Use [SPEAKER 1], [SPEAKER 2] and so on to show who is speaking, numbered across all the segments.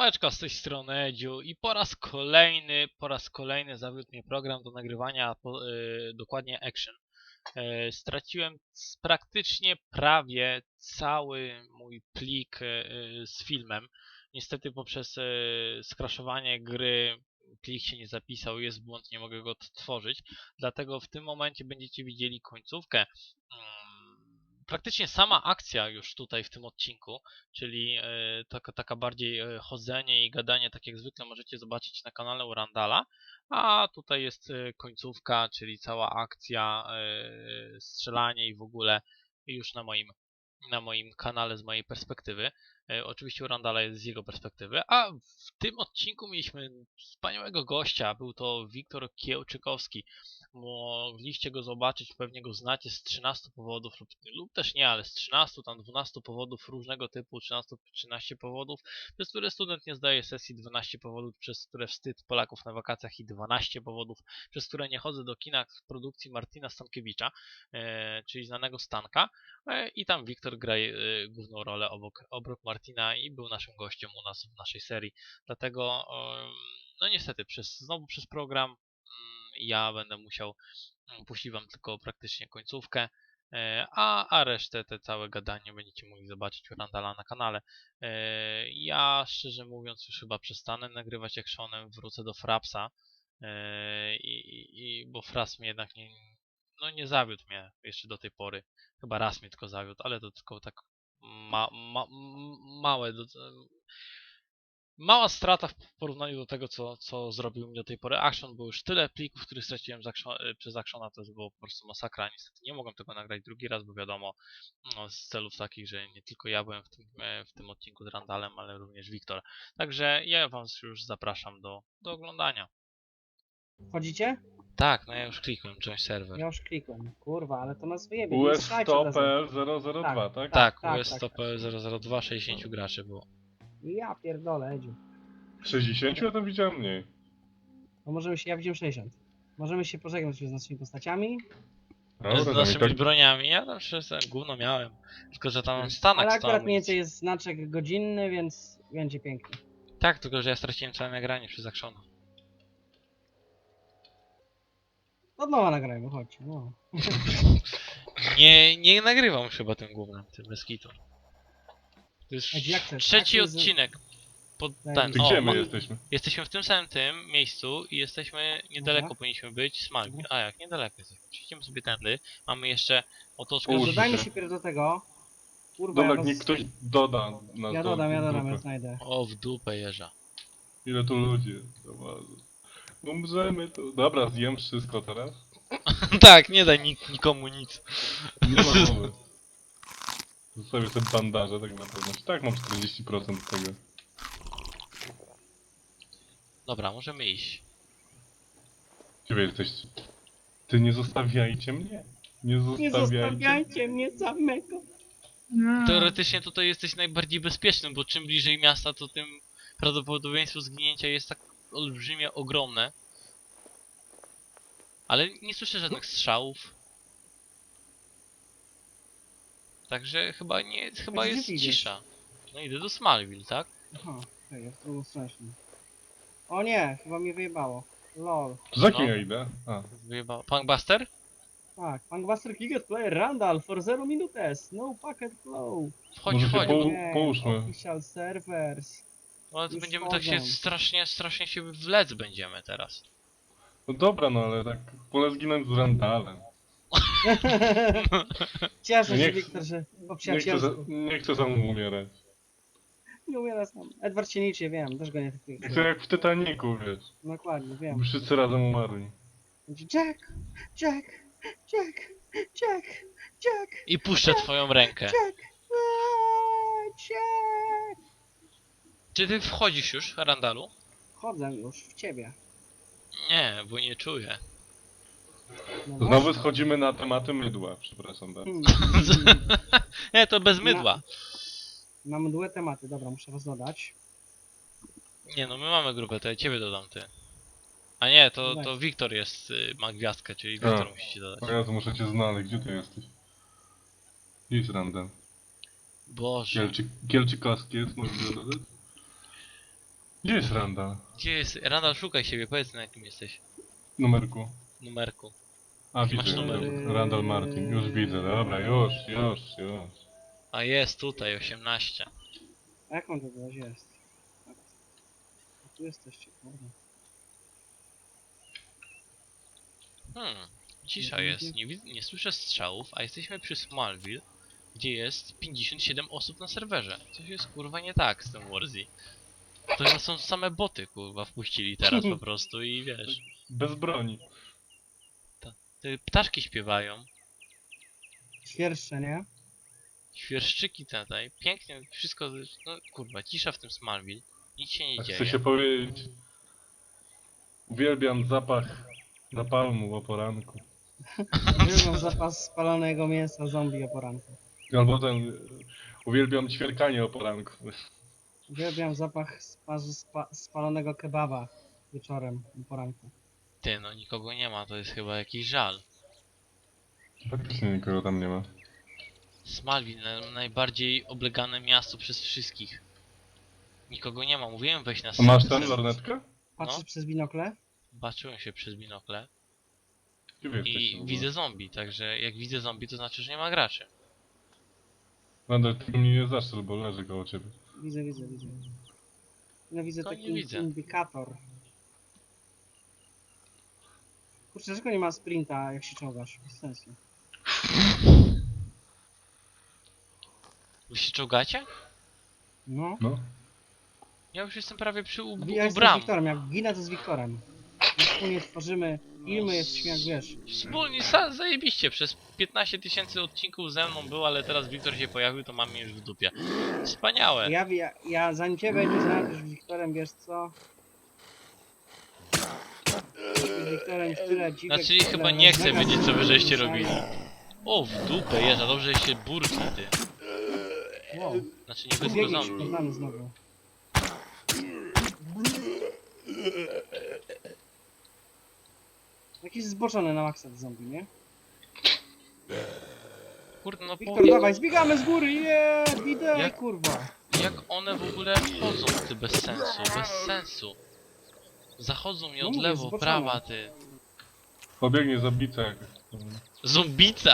[SPEAKER 1] Siemaneczko, z tej strony Edziu i po raz kolejny zawiódł mnie program do nagrywania, dokładnie Action. Straciłem praktycznie prawie cały mój plik z filmem. Niestety poprzez skraszowanie gry plik się nie zapisał, jest błąd, nie mogę go odtworzyć. Dlatego w tym momencie będziecie widzieli końcówkę. Praktycznie sama akcja już tutaj w tym odcinku, czyli taka bardziej chodzenie i gadanie, tak jak zwykle możecie zobaczyć na kanale u Randala, a tutaj jest końcówka, czyli cała akcja, strzelanie i w ogóle już na moim kanale z mojej perspektywy. Oczywiście u Randala jest z jego perspektywy, a w tym odcinku mieliśmy wspaniałego gościa, był to Wiktor Kiełczykowski. Mogliście go zobaczyć, pewnie go znacie z 13 powodów lub też nie, ale z 13, tam 12 powodów różnego typu, 13 powodów, przez które student nie zdaje sesji, 12 powodów, przez które wstyd Polaków na wakacjach i 12 powodów, przez które nie chodzę do kina w produkcji Martina Stankiewicza, czyli znanego Stanka, i tam Wiktor gra główną rolę obok Martina i był naszym gościem u nas w naszej serii. Dlatego, no niestety, znowu przez program ja będę musiał puścić wam tylko praktycznie końcówkę, a resztę, te całe gadanie będziecie mogli zobaczyć u Randala na kanale. Ja szczerze mówiąc już chyba przestanę nagrywać actionem, wrócę do Frapsa, bo Fraps mnie jednak nie zawiódł mnie jeszcze do tej pory. Chyba raz mnie tylko zawiódł, ale to tylko tak małe mała strata w porównaniu do tego, co zrobił mi do tej pory Action, bo już tyle plików, których straciłem przez Actiona, to było po prostu masakra. Niestety nie mogłem tego nagrać drugi raz, bo wiadomo, no, z celów takich, że nie tylko ja byłem w tym odcinku z Randalem, ale również Wiktor. Także ja was już zapraszam do oglądania.
[SPEAKER 2] Wchodzicie?
[SPEAKER 1] Tak, no ja już klikłem, join server.
[SPEAKER 2] Ja już klikłem. Kurwa, ale to nas wyjebie, nie strzelajcie od razu.
[SPEAKER 3] USTOPL002, tak?
[SPEAKER 1] Tak,
[SPEAKER 2] tak,
[SPEAKER 1] US
[SPEAKER 2] tak.
[SPEAKER 1] 002, 60 graczy było.
[SPEAKER 2] Ja pierdolę, Edziu.
[SPEAKER 3] 60? Ja tam widziałem mniej.
[SPEAKER 2] No możemy się, ja widziałem 60. Możemy się pożegnać już z naszymi postaciami.
[SPEAKER 3] Dobra,
[SPEAKER 1] Z
[SPEAKER 3] tam i
[SPEAKER 1] naszymi
[SPEAKER 3] tak...
[SPEAKER 1] broniami, ja tam szczerze gówno miałem. Tylko, że tam Stanek
[SPEAKER 2] Ale
[SPEAKER 1] stał
[SPEAKER 2] akurat mniej
[SPEAKER 1] amunicji.
[SPEAKER 2] więcej jest znaczek godzinny, więc będzie pięknie.
[SPEAKER 1] Tak, tylko że ja straciłem całe nagranie przez Actiona.
[SPEAKER 2] Od nowa nagrajmy, chodź. No.
[SPEAKER 1] Nie nagrywam już chyba tym głównym, tym bez kitu. To już
[SPEAKER 2] Ej, jak chcesz?
[SPEAKER 1] trzeci
[SPEAKER 2] Jak jest-
[SPEAKER 1] odcinek. Pod
[SPEAKER 2] Daj
[SPEAKER 1] ten.
[SPEAKER 2] mi-
[SPEAKER 3] Ty gdzie
[SPEAKER 1] O,
[SPEAKER 3] my jesteśmy?
[SPEAKER 1] jesteśmy w tym samym tym miejscu i jesteśmy niedaleko,
[SPEAKER 2] Dobra.
[SPEAKER 1] powinniśmy być Smallville.
[SPEAKER 2] Dobra.
[SPEAKER 1] A jak, niedaleko jesteśmy. Przejdźmy sobie tędy. Mamy jeszcze otoczkę
[SPEAKER 3] Połóż
[SPEAKER 2] Dodajmy
[SPEAKER 3] się.
[SPEAKER 2] się pierw do tego. Kurwa,
[SPEAKER 3] Dobra,
[SPEAKER 2] ja
[SPEAKER 3] niech ktoś doda nas
[SPEAKER 2] Ja
[SPEAKER 3] do
[SPEAKER 2] dodam, ja
[SPEAKER 3] grupy.
[SPEAKER 2] znajdę.
[SPEAKER 1] O, w dupę jeża.
[SPEAKER 3] Ile tu ludzi jest? Dobra. Umrzemy tu. Dobra, zjem wszystko teraz.
[SPEAKER 1] Tak, nie daj nikomu nic.
[SPEAKER 3] Nie ma mowy. Zostawię sobie bandaże tak na pewno. Tak, mam 40% tego.
[SPEAKER 1] Dobra, możemy iść.
[SPEAKER 3] Gdzie wy jesteście? Ty nie zostawiajcie mnie. Nie zostawiajcie.
[SPEAKER 2] mnie samego.
[SPEAKER 1] Teoretycznie tutaj jesteś najbardziej bezpiecznym, bo czym bliżej miasta, to tym prawdopodobieństwo zginięcia jest tak olbrzymie, ogromne. Ale nie słyszę żadnych strzałów. Także chyba
[SPEAKER 2] gdzie
[SPEAKER 1] jest
[SPEAKER 2] ty idziesz?
[SPEAKER 1] cisza. No idę do Smallville, tak?
[SPEAKER 2] Aha, okej, ja w drugą stronę szedłem. O nie, chyba mnie wyjebało. Lol.
[SPEAKER 3] To za kim
[SPEAKER 1] No.
[SPEAKER 3] ja idę? A.
[SPEAKER 1] Wyjebał. Punkbuster?
[SPEAKER 2] Tak, Punkbuster Cricket Player Randall for 0 minutes, no packet flow.
[SPEAKER 1] Chodź,
[SPEAKER 3] Może się
[SPEAKER 1] chodź.
[SPEAKER 3] połóżmy.
[SPEAKER 2] Official servers.
[SPEAKER 1] No to
[SPEAKER 2] już
[SPEAKER 1] będziemy
[SPEAKER 2] wchodzą.
[SPEAKER 1] tak się strasznie się wlec będziemy teraz.
[SPEAKER 3] No dobra, no ale tak wolę zginąć z Randalem.
[SPEAKER 2] Cieszę się,
[SPEAKER 3] Nie-
[SPEAKER 2] Wiktor, że po
[SPEAKER 3] Nie chcę,
[SPEAKER 2] przyjacielsku.
[SPEAKER 3] nie chcę sam umierać.
[SPEAKER 2] Nie umiera sam. Edward się liczy, wiem, też go nie traktuje.
[SPEAKER 3] Chcę jak w Titanicu, wiesz.
[SPEAKER 2] Dokładnie, wiem.
[SPEAKER 3] Wszyscy razem umarli.
[SPEAKER 2] Będzie Jack, Jack, Jack, Jack, Jack,
[SPEAKER 1] I puszczę twoją rękę.
[SPEAKER 2] Jack, Jack.
[SPEAKER 1] Czy ty wchodzisz już, Randalu?
[SPEAKER 2] Wchodzę już w ciebie.
[SPEAKER 1] Nie, bo nie czuję.
[SPEAKER 2] No
[SPEAKER 3] Znowu
[SPEAKER 2] właśnie.
[SPEAKER 3] schodzimy na tematy mydła, przepraszam bardzo.
[SPEAKER 1] Nie, to bez mydła.
[SPEAKER 2] Mamy dwie tematy, dobra, muszę was dodać.
[SPEAKER 1] Nie no, my mamy grupę, to ja ciebie dodam ty. A nie, to
[SPEAKER 2] Daj.
[SPEAKER 1] Wiktor jest, ma gwiazdkę, czyli
[SPEAKER 3] A.
[SPEAKER 1] Wiktor musicie dodać.
[SPEAKER 3] O Jezu, muszę cię znaleźć, gdzie ty jesteś? Idź Randall.
[SPEAKER 1] Boże.
[SPEAKER 3] Kielczykowski jest, możesz go dodać? Gdzie jest Randall?
[SPEAKER 1] Gdzie jest? Randall, szukaj siebie, powiedz na jakim jesteś
[SPEAKER 3] Numerku.
[SPEAKER 1] numerku.
[SPEAKER 3] A,
[SPEAKER 1] Jaki masz
[SPEAKER 3] widzę.
[SPEAKER 1] numer?
[SPEAKER 3] Randall Martin. Już widzę. Dobra, już.
[SPEAKER 1] A jest tutaj, 18.
[SPEAKER 2] A jak on to było? Gdzie jest? A tu jesteście, kurde.
[SPEAKER 1] Cisza jest, nie słyszę strzałów, a jesteśmy przy Smallville, gdzie jest 57 osób na serwerze. Coś jest kurwa nie tak z tym Warzy. To chyba są same boty kurwa wpuścili teraz po prostu i wiesz.
[SPEAKER 3] Bez broni.
[SPEAKER 1] Te ptaszki śpiewają,
[SPEAKER 2] Świerszcze, nie?
[SPEAKER 1] świerszczyki tutaj, pięknie wszystko, no kurwa, cisza w tym Smallville, nic się nie
[SPEAKER 3] Tak
[SPEAKER 1] dzieje.
[SPEAKER 3] chcę się powiedzieć. Uwielbiam zapach napalmu o poranku.
[SPEAKER 2] Uwielbiam zapas spalonego mięsa zombie o poranku.
[SPEAKER 3] Albo uwielbiam ćwierkanie o poranku.
[SPEAKER 2] Uwielbiam zapach spalonego kebaba wieczorem o poranku.
[SPEAKER 1] Ty, no nikogo nie ma, to jest chyba jakiś żal.
[SPEAKER 3] Faktycznie nikogo tam nie ma.
[SPEAKER 1] Smallville, najbardziej oblegane miasto przez wszystkich. Nikogo nie ma, mówiłem weź na
[SPEAKER 3] A masz
[SPEAKER 1] serwer.
[SPEAKER 3] tam lornetkę?
[SPEAKER 2] Patrzysz
[SPEAKER 1] No.
[SPEAKER 2] przez binokle?
[SPEAKER 1] Baczyłem się przez binokle
[SPEAKER 3] Gdzie wy jesteście w
[SPEAKER 1] i
[SPEAKER 3] ogóle?
[SPEAKER 1] widzę zombie, także jak widzę zombie to znaczy, że nie ma graczy.
[SPEAKER 3] Randall, ty mnie nie zastrzel, bo leży koło ciebie.
[SPEAKER 2] Widzę. No widzę
[SPEAKER 1] To nie
[SPEAKER 2] taki
[SPEAKER 1] widzę.
[SPEAKER 2] indykator. Kurczę, dlaczego nie ma sprinta, jak się czołgasz? Bez sensu.
[SPEAKER 1] Wy się czołgacie?
[SPEAKER 2] No.
[SPEAKER 3] No.
[SPEAKER 1] Ja już jestem prawie przy
[SPEAKER 2] Ja
[SPEAKER 1] u
[SPEAKER 2] jestem z
[SPEAKER 1] bram.
[SPEAKER 2] Wiktorem, jak ginę to z Wiktorem. My wspólnie tworzymy filmy, jesteśmy jak wiesz.
[SPEAKER 1] Wspólnie, zajebiście, przez 15 000 odcinków ze mną był, ale teraz Wiktor się pojawił, to mamy już w dupie. Wspaniałe.
[SPEAKER 2] Ja zanim ciebie nie znajdziesz z Wiktorem, wiesz co? Z Wiktorem już tyle dziwek,
[SPEAKER 1] Znaczy
[SPEAKER 2] tyle
[SPEAKER 1] chyba nie chcę
[SPEAKER 2] mega
[SPEAKER 1] wiedzieć co wy żeście
[SPEAKER 2] słyszałem.
[SPEAKER 1] robili. O, w dupę jeżdża, dobrze że się burki ty.
[SPEAKER 2] Wow,
[SPEAKER 1] Znaczy nie wy tylko
[SPEAKER 2] biegniesz
[SPEAKER 1] zombie.
[SPEAKER 2] poznany znowu. Jakiś zboczony na maksa zombie, nie?
[SPEAKER 1] Kurde, no
[SPEAKER 2] Wiktor,
[SPEAKER 1] powiedz,
[SPEAKER 2] dawaj, zbiegamy z góry, widać,
[SPEAKER 1] Jak-
[SPEAKER 2] kurwa.
[SPEAKER 1] jak one w ogóle chodzą ty bez sensu. Zachodzą mi
[SPEAKER 2] No
[SPEAKER 1] od
[SPEAKER 2] mówię,
[SPEAKER 1] lewo,
[SPEAKER 2] zboczone.
[SPEAKER 1] prawa ty.
[SPEAKER 3] Pobiegnie zabica jak...
[SPEAKER 1] Zombica!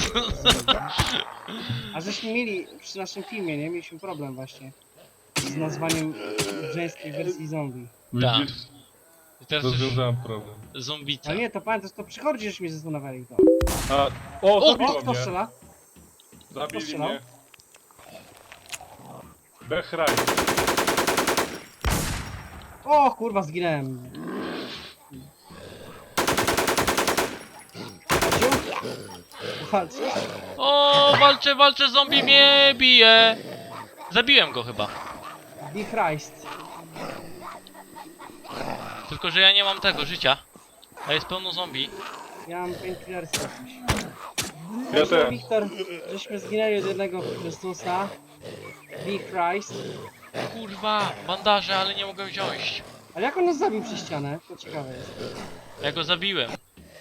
[SPEAKER 2] A żeśmy mieli przy naszym filmie, nie? Mieliśmy problem właśnie z nazwaniem żeńskiej wersji zombie.
[SPEAKER 1] Tak.
[SPEAKER 3] Widzisz?
[SPEAKER 1] I teraz już
[SPEAKER 3] Rozwiązałem problem.
[SPEAKER 1] zombica.
[SPEAKER 2] Ale nie, to pamiętasz, to przychodzi, żeśmy się zastanawiali to.
[SPEAKER 3] A, o,
[SPEAKER 1] O,
[SPEAKER 3] zabiło
[SPEAKER 2] O, kto
[SPEAKER 3] mnie.
[SPEAKER 2] strzela?
[SPEAKER 3] Zabili
[SPEAKER 2] strzelał?
[SPEAKER 3] mnie. Bechraj.
[SPEAKER 2] O, kurwa, zginąłem. Walcz.
[SPEAKER 1] O, walczę, zombie mnie bije! Zabiłem go chyba.
[SPEAKER 2] Be Christ.
[SPEAKER 1] Tylko, że ja nie mam tego życia. A jest pełno zombie.
[SPEAKER 2] Ja mam painkillersy jakieś.
[SPEAKER 3] Ja też.
[SPEAKER 2] Wiktor, żeśmy zginęli od jednego Chrystusa. Be Christ.
[SPEAKER 1] Kurwa, bandaże, ale nie mogę wziąć.
[SPEAKER 2] Ale jak on nas zabił przez ścianę? To ciekawe jest.
[SPEAKER 1] Ja go zabiłem.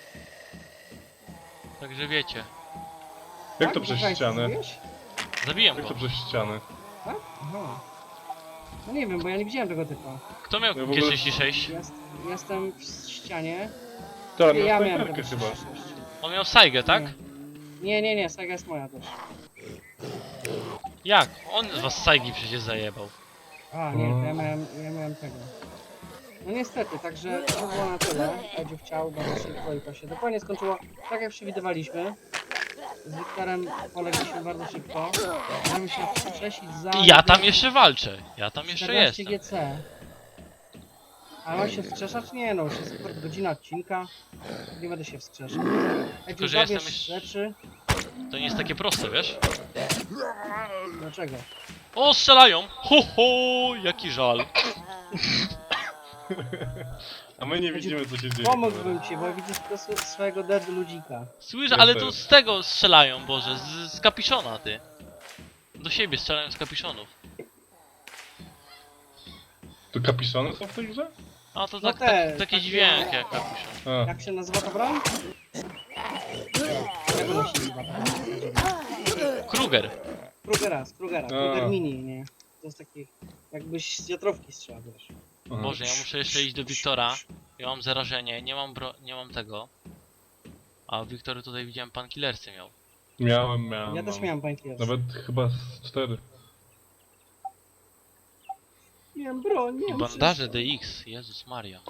[SPEAKER 1] Także wiecie.
[SPEAKER 3] Jak to
[SPEAKER 2] Tak?
[SPEAKER 3] przez
[SPEAKER 2] Be Christ
[SPEAKER 3] ścianę?
[SPEAKER 2] zabiłeś?
[SPEAKER 1] Zabiłem
[SPEAKER 3] Jak
[SPEAKER 1] go.
[SPEAKER 3] to przez ścianę?
[SPEAKER 2] Tak? Aha. No nie wiem, bo ja nie widziałem tego typa.
[SPEAKER 1] Kto miał
[SPEAKER 3] Ja w ogóle-
[SPEAKER 1] G36?
[SPEAKER 2] Jestem w ścianie.
[SPEAKER 3] Tak, no
[SPEAKER 2] Ja miałem
[SPEAKER 3] snajperkę
[SPEAKER 2] tego
[SPEAKER 3] chyba.
[SPEAKER 2] 36.
[SPEAKER 1] On miał Saigę, tak?
[SPEAKER 2] Nie, Saga jest moja też.
[SPEAKER 1] Jak? On z was Saigi przecież zajebał.
[SPEAKER 2] A, nie, to ja miałem tego. No niestety, także to było na tyle. Będzie chciał bardzo szybko i to się dokładnie skończyło tak jak przewidywaliśmy. Z Wiktorem polegliśmy bardzo szybko. Możemy się wskrzesić za...
[SPEAKER 1] I ja tam jeszcze walczę. Ja tam jeszcze
[SPEAKER 2] 14
[SPEAKER 1] jestem.
[SPEAKER 2] GC. Ale on się wskrzeszać? Nie no, już jest godzina odcinka. Nie będę się wskrzeszał.
[SPEAKER 1] Tylko,
[SPEAKER 2] Jak
[SPEAKER 1] że jestem
[SPEAKER 2] zabierz
[SPEAKER 1] już-
[SPEAKER 2] rzeczy...
[SPEAKER 1] To nie jest takie proste, wiesz?
[SPEAKER 2] Dlaczego?
[SPEAKER 1] O, strzelają! Ho, ho, jaki żal.
[SPEAKER 3] A my nie widzimy co się dzieje.
[SPEAKER 2] Pomógłbym ci, bo ja widzę tylko swojego dead ludzika.
[SPEAKER 1] Słyszę,
[SPEAKER 3] Ja
[SPEAKER 1] ale
[SPEAKER 3] też.
[SPEAKER 1] to z tego strzelają, Boże, z kapiszona, ty. Do siebie strzelają z kapiszonów.
[SPEAKER 3] To kapiszony są w tej grze?
[SPEAKER 1] A to
[SPEAKER 2] No
[SPEAKER 1] tak,
[SPEAKER 2] te,
[SPEAKER 1] taki
[SPEAKER 2] takie-
[SPEAKER 1] dźwięk jak kapiszon.
[SPEAKER 3] A,
[SPEAKER 2] Jak się nazywa ta broń? Jak ona się nazywa?
[SPEAKER 1] Kruger.
[SPEAKER 2] Krugera. Kruger Mini, nie? To jest taki... Jakbyś z wiatrówki strzelał, wiesz.
[SPEAKER 3] Aha.
[SPEAKER 1] Boże, ja muszę jeszcze iść do Wiktora. Ja mam zarażenie, nie mam tego. A Wiktor tutaj widziałem pan killersy miał.
[SPEAKER 3] Miałem.
[SPEAKER 2] Ja też
[SPEAKER 3] mam.
[SPEAKER 2] miałem painkillers.
[SPEAKER 3] Nawet chyba z 4.
[SPEAKER 2] Miałem broń,
[SPEAKER 1] I
[SPEAKER 2] miałem
[SPEAKER 1] bandaże
[SPEAKER 2] wszystko.
[SPEAKER 1] DX, Jezus Maria.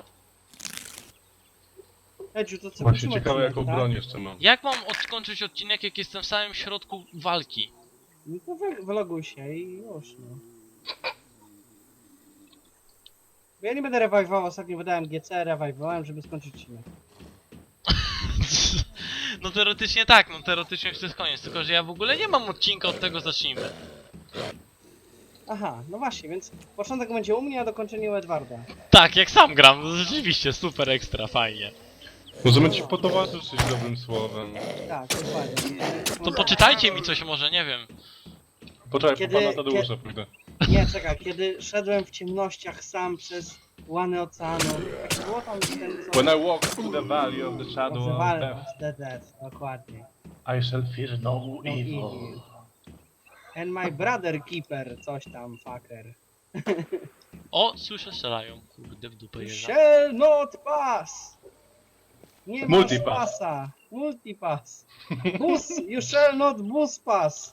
[SPEAKER 2] Edziu, to co,
[SPEAKER 3] Właśnie
[SPEAKER 2] kończymy
[SPEAKER 3] ciekawe
[SPEAKER 2] odcinek,
[SPEAKER 3] jaką
[SPEAKER 2] tak?
[SPEAKER 3] broń jeszcze mam.
[SPEAKER 1] Jak mam odkończyć odcinek, jak jestem w samym środku walki?
[SPEAKER 2] No to wyloguj się i już, no. Bo ja nie będę rewajwował, ostatnio wydałem GC, rewajwowałem, żeby skończyć odcinek.
[SPEAKER 1] No teoretycznie tak, no teoretycznie już to jest koniec, tylko że ja w ogóle nie mam odcinka, od tego zacznijmy.
[SPEAKER 2] Aha, no właśnie, więc początek będzie u mnie, a dokończenie u Edwarda.
[SPEAKER 1] Tak, jak sam gram, no rzeczywiście, super ekstra, fajnie.
[SPEAKER 3] Możemy ci potowarzyszyć dobrym słowem.
[SPEAKER 2] Tak, dokładnie.
[SPEAKER 1] To poczytajcie mi coś może, nie wiem.
[SPEAKER 3] Poczekaj,
[SPEAKER 2] Kiedy-
[SPEAKER 3] po pana Tadeusza pójdę.
[SPEAKER 2] Nie, czekaj, kiedy szedłem w ciemnościach sam przez łany oceanu, jak to było tam ten co...
[SPEAKER 3] When I walk through the valley of the shadow of
[SPEAKER 2] Nazywali
[SPEAKER 3] death,
[SPEAKER 2] was the dead, dokładnie.
[SPEAKER 3] I shall fear no
[SPEAKER 2] No
[SPEAKER 3] evil.
[SPEAKER 2] evil. And my brother keeper, coś tam, fucker.
[SPEAKER 1] O, słyszę, strzelają, kurde w dupę jeżdża.
[SPEAKER 2] Shall not pass! Nie masz
[SPEAKER 3] Multipass.
[SPEAKER 2] pasa. Multipass. Bus, you shall not bus pass.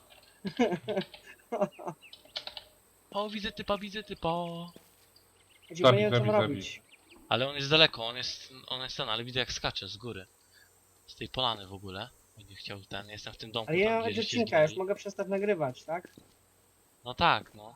[SPEAKER 1] O, widzę typa, widzę typa.
[SPEAKER 2] Gdzie
[SPEAKER 3] Zabij,
[SPEAKER 2] nie wiem co
[SPEAKER 3] zabij,
[SPEAKER 2] mam
[SPEAKER 3] zabij.
[SPEAKER 2] robić.
[SPEAKER 1] Ale on jest daleko, on jest ten, ale widzę jak skacze z góry. Z tej polany w ogóle. Będzie chciał ten, jestem w tym domku.
[SPEAKER 2] Ale ja
[SPEAKER 1] tam,
[SPEAKER 2] mam
[SPEAKER 1] gdzie
[SPEAKER 2] być
[SPEAKER 1] żeście
[SPEAKER 2] odcinka, już
[SPEAKER 1] zginęli.
[SPEAKER 2] mogę przestać nagrywać, tak?
[SPEAKER 1] No tak, no.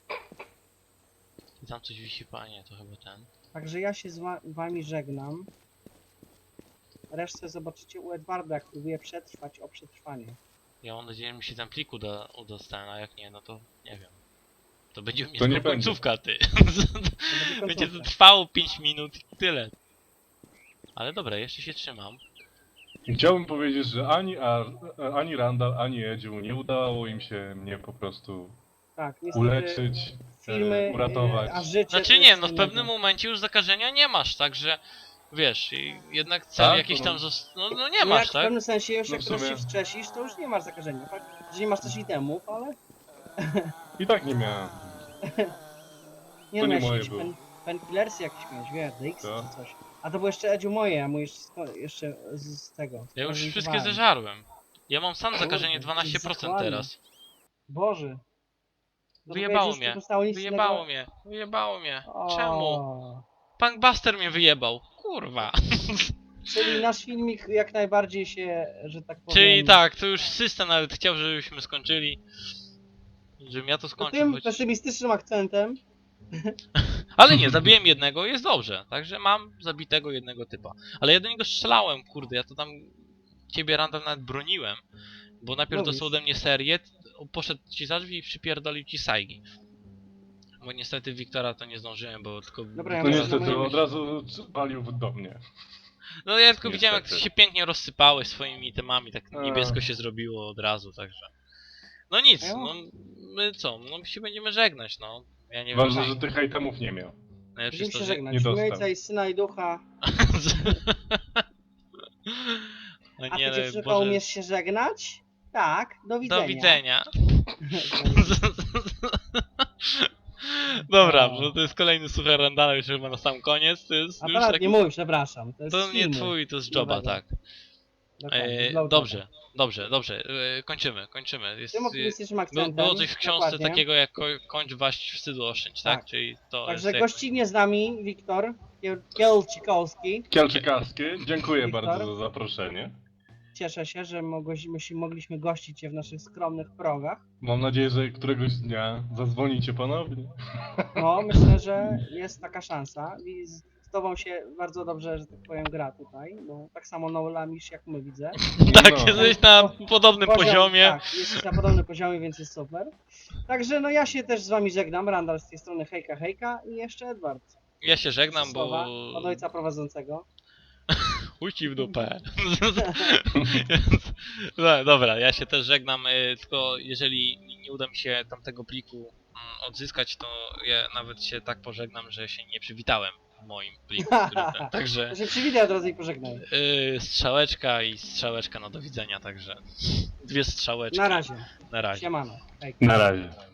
[SPEAKER 1] I tam coś wisi, panie, to chyba ten.
[SPEAKER 2] Także ja się z wami żegnam. Resztę zobaczycie u Edwarda, jak próbuje przetrwać o przetrwanie.
[SPEAKER 1] Ja mam nadzieję, że mi się ten plik udostanie, a jak nie, no to nie wiem. To będzie u mnie
[SPEAKER 3] To nie
[SPEAKER 1] tylko
[SPEAKER 3] będzie.
[SPEAKER 1] końcówka, ty.
[SPEAKER 2] To będzie
[SPEAKER 1] Będzie to
[SPEAKER 2] końcówka.
[SPEAKER 1] trwało 5 minut i tyle. Ale dobra, jeszcze się trzymam.
[SPEAKER 3] Chciałbym powiedzieć, że ani Randall, ani Edziu nie udało im się mnie po prostu
[SPEAKER 2] Tak, niestety
[SPEAKER 3] uleczyć,
[SPEAKER 2] filmy,
[SPEAKER 3] uratować.
[SPEAKER 2] a życie
[SPEAKER 1] Znaczy
[SPEAKER 2] to
[SPEAKER 1] nie,
[SPEAKER 2] jest
[SPEAKER 1] no w
[SPEAKER 2] innego.
[SPEAKER 1] pewnym momencie już zakażenia nie masz, także wiesz, jednak cel
[SPEAKER 3] Tak?
[SPEAKER 1] jakiś tam no nie
[SPEAKER 2] No
[SPEAKER 1] masz,
[SPEAKER 2] jak w
[SPEAKER 1] tak?
[SPEAKER 2] pewnym sensie już
[SPEAKER 3] No
[SPEAKER 2] jak
[SPEAKER 3] w
[SPEAKER 2] teraz
[SPEAKER 3] sumie.
[SPEAKER 2] się wstrzesisz, to już nie masz zakażenia. Tak? Że nie masz też itemów, ale
[SPEAKER 3] I tak nie miałem.
[SPEAKER 2] nie
[SPEAKER 3] To nie
[SPEAKER 2] miałeś
[SPEAKER 3] moje
[SPEAKER 2] jakieś
[SPEAKER 3] było.
[SPEAKER 2] painkillersy jakieś miałeś, wiesz, DX
[SPEAKER 3] Co?
[SPEAKER 2] czy coś. A to było jeszcze Edziu moje, a mój jeszcze z tego.
[SPEAKER 1] Ja już wszystkie
[SPEAKER 2] zorientowałem.
[SPEAKER 1] zeżarłem. Ja mam sam
[SPEAKER 2] Kurde,
[SPEAKER 1] zakażenie
[SPEAKER 2] ty
[SPEAKER 1] 12%
[SPEAKER 2] zakładny.
[SPEAKER 1] teraz.
[SPEAKER 2] Boże. No to
[SPEAKER 1] Wyjebało
[SPEAKER 2] powiedz, już
[SPEAKER 1] mnie.
[SPEAKER 2] nie zostało nic
[SPEAKER 1] Wyjebało
[SPEAKER 2] innego.
[SPEAKER 1] mnie. Wyjebało mnie.
[SPEAKER 2] O,
[SPEAKER 1] Czemu? Punkbuster mnie wyjebał. Kurwa.
[SPEAKER 2] Czyli nasz filmik jak najbardziej się, że tak powiem...
[SPEAKER 1] Czyli tak, to już system nawet chciał, żebyśmy skończyli. Żebym ja to
[SPEAKER 2] To
[SPEAKER 1] skończył.
[SPEAKER 2] tym
[SPEAKER 1] Choć...
[SPEAKER 2] pesymistycznym akcentem.
[SPEAKER 1] Ale nie, zabiłem jednego, jest dobrze. Także mam zabitego jednego typa. Ale ja do niego strzelałem, kurde, ja to tam ciebie Randall nawet broniłem. Bo najpierw
[SPEAKER 2] Mówisz.
[SPEAKER 1] dostał ode mnie serię, poszedł ci za drzwi i przypierdolił ci sajgi. Bo niestety Wiktora to nie zdążyłem, bo tylko...
[SPEAKER 2] Dobra, ja
[SPEAKER 3] No
[SPEAKER 2] muszę
[SPEAKER 3] niestety
[SPEAKER 2] na moim-
[SPEAKER 3] od razu palił do mnie.
[SPEAKER 1] No ja tylko widziałem jak
[SPEAKER 3] Niestety.
[SPEAKER 1] się pięknie rozsypałeś swoimi itemami, tak
[SPEAKER 3] A.
[SPEAKER 1] niebiesko się zrobiło od razu, także... No nic,
[SPEAKER 2] A ja mam-
[SPEAKER 1] no my co, no się będziemy żegnać, no. Ja nie
[SPEAKER 3] Ważne,
[SPEAKER 1] wiem,
[SPEAKER 3] że tych itemów nie miał.
[SPEAKER 1] najlepsze
[SPEAKER 2] Będziemy
[SPEAKER 1] jest
[SPEAKER 2] się
[SPEAKER 1] to, że...
[SPEAKER 2] żegnać.
[SPEAKER 3] nie
[SPEAKER 2] W
[SPEAKER 3] dostał.
[SPEAKER 2] imię Ojca i Syna i Ducha.
[SPEAKER 1] No
[SPEAKER 2] A
[SPEAKER 1] nie,
[SPEAKER 2] ty
[SPEAKER 1] no,
[SPEAKER 2] dziewczynko
[SPEAKER 1] Boże,
[SPEAKER 2] umiesz się żegnać? Tak, do widzenia.
[SPEAKER 1] do widzenia. Dobra,
[SPEAKER 2] O.
[SPEAKER 1] no to jest kolejny suchar Randala już chyba na sam koniec, to jest już
[SPEAKER 2] Aparat
[SPEAKER 1] taki...
[SPEAKER 2] nie mój, przepraszam. To jest
[SPEAKER 1] To
[SPEAKER 2] z
[SPEAKER 1] nie
[SPEAKER 2] filmu.
[SPEAKER 1] twój, to z joba,
[SPEAKER 2] Nowego.
[SPEAKER 1] tak.
[SPEAKER 2] Dokładnie, z Low
[SPEAKER 1] Dobrze, dobrze, kończymy. Jest,
[SPEAKER 2] Tym optymistycznym akcentem.
[SPEAKER 1] było coś w książce
[SPEAKER 2] dokładnie.
[SPEAKER 1] takiego jak kończ waść wstydu oszczędź, tak?
[SPEAKER 2] Tak.
[SPEAKER 1] Czyli to
[SPEAKER 2] Także
[SPEAKER 1] jest jak...
[SPEAKER 2] gościnnie z nami Wiktor Kielczykowski.
[SPEAKER 3] Kielczykowskie, dziękuję
[SPEAKER 2] Wiktor?
[SPEAKER 3] bardzo za zaproszenie.
[SPEAKER 2] Cieszę się, że mogliśmy gościć Cię w naszych skromnych progach.
[SPEAKER 3] Mam nadzieję, że któregoś dnia zadzwonicie ponownie.
[SPEAKER 2] No, myślę, że jest taka szansa. I z Tobą się bardzo dobrze, że tak powiem, gra tutaj, bo tak samo lamisz jak my widzę.
[SPEAKER 1] Tak,
[SPEAKER 3] No.
[SPEAKER 1] jesteś na podobnym poziomie.
[SPEAKER 2] Tak, jesteś na podobnym poziomie, więc jest super. Także no ja się też z Wami żegnam. Randall z tej strony hejka hejka i jeszcze Edward.
[SPEAKER 1] Ja się żegnam,
[SPEAKER 2] Słowa
[SPEAKER 1] bo...
[SPEAKER 2] od ojca prowadzącego.
[SPEAKER 1] Chuj ci w dupę. No, dobra, ja się też żegnam, tylko jeżeli nie uda mi się tamtego pliku odzyskać, to ja nawet się tak pożegnam, że się nie przywitałem w moim pliku. Także
[SPEAKER 2] To się przywitaj od razu i pożegnaj.
[SPEAKER 1] strzałeczka i strzałeczka, no do widzenia, także dwie strzałeczki.
[SPEAKER 2] Na razie.
[SPEAKER 1] Na razie.
[SPEAKER 2] Siemano. Hejka.
[SPEAKER 3] Na razie.